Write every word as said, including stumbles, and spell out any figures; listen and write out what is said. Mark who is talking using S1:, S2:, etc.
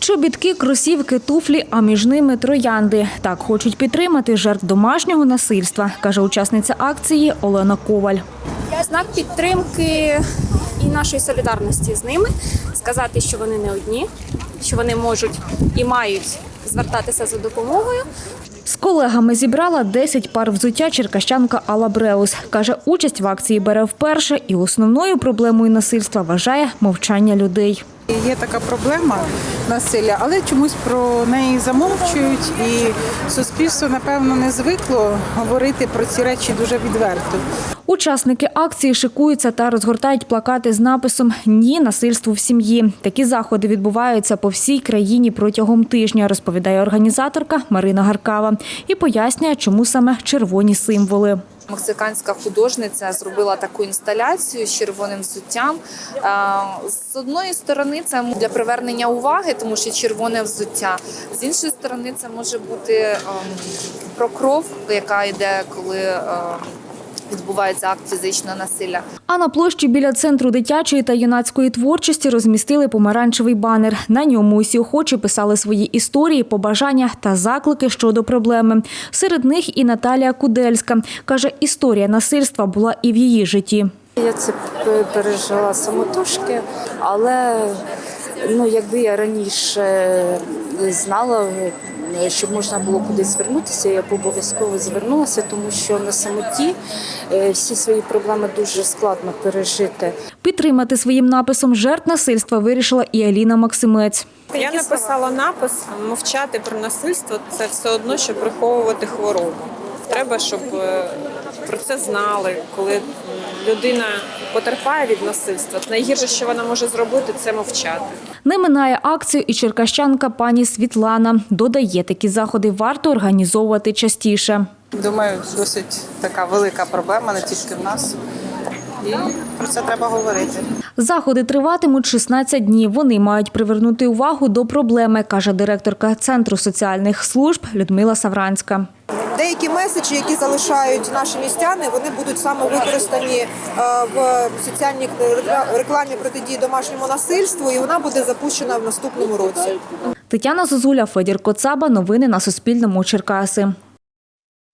S1: Чобітки, кросівки, туфлі, а між ними троянди. Так хочуть підтримати жертв домашнього насильства, каже учасниця акції Олена Коваль.
S2: Знак підтримки і нашої солідарності з ними. Сказати, що вони не одні, що вони можуть і мають звертатися за допомогою.
S1: З колегами зібрала десять пар взуття черкащанка Алла Бреус. Каже, участь в акції бере вперше і основною проблемою насильства вважає мовчання людей.
S3: Є така проблема насилля, але чомусь про неї замовчують і суспільство, напевно, не звикло говорити про ці речі дуже відверто.
S1: Учасники акції шикуються та розгортають плакати з написом «Ні насильству в сім'ї». Такі заходи відбуваються по всій країні протягом тижня, розповідає організаторка Марина Гаркава. І пояснює, чому саме червоні символи.
S4: Мексиканська художниця зробила таку інсталяцію з червоним взуттям. З одної сторони це для привернення уваги, тому що червоне взуття. З іншої сторони це може бути про кров, яка йде, коли відбувається акт фізичного насилля.
S1: А на площі біля Центру дитячої та юнацької творчості розмістили помаранчевий банер. На ньому усі охочі писали свої історії, побажання та заклики щодо проблеми. Серед них і Наталія Кудельська. Каже, історія насильства була і в її житті.
S5: Я це пережила самотужки, але ну, якби я раніше знала, щоб можна було кудись звернутися, я б обов'язково звернулася, тому що на самоті всі свої проблеми дуже складно пережити.
S1: Підтримати своїм написом жертв насильства вирішила і Аліна Максимець.
S6: Я написала напис «Мовчати про насильство – це все одно, що приховувати хворобу». Треба, щоб про це знали, коли людина потерпає від насильства. Найгірше, що вона може зробити – це мовчати.
S1: Не минає акцію і черкащанка пані Світлана. Додає, такі заходи варто організовувати частіше.
S3: Думаю, досить така велика проблема, не тільки в нас. І про це треба говорити.
S1: Заходи триватимуть шістнадцять днів. Вони мають привернути увагу до проблеми, каже директорка Центру соціальних служб Людмила Савранська.
S7: Деякі меседжі, які залишають наші містяни, вони будуть саме використані в соціальній рекламі протидії домашньому насильству, і вона буде запущена в наступному році.
S1: Тетяна Зозуля, Федір Коцаба. Новини на Суспільному. Черкаси.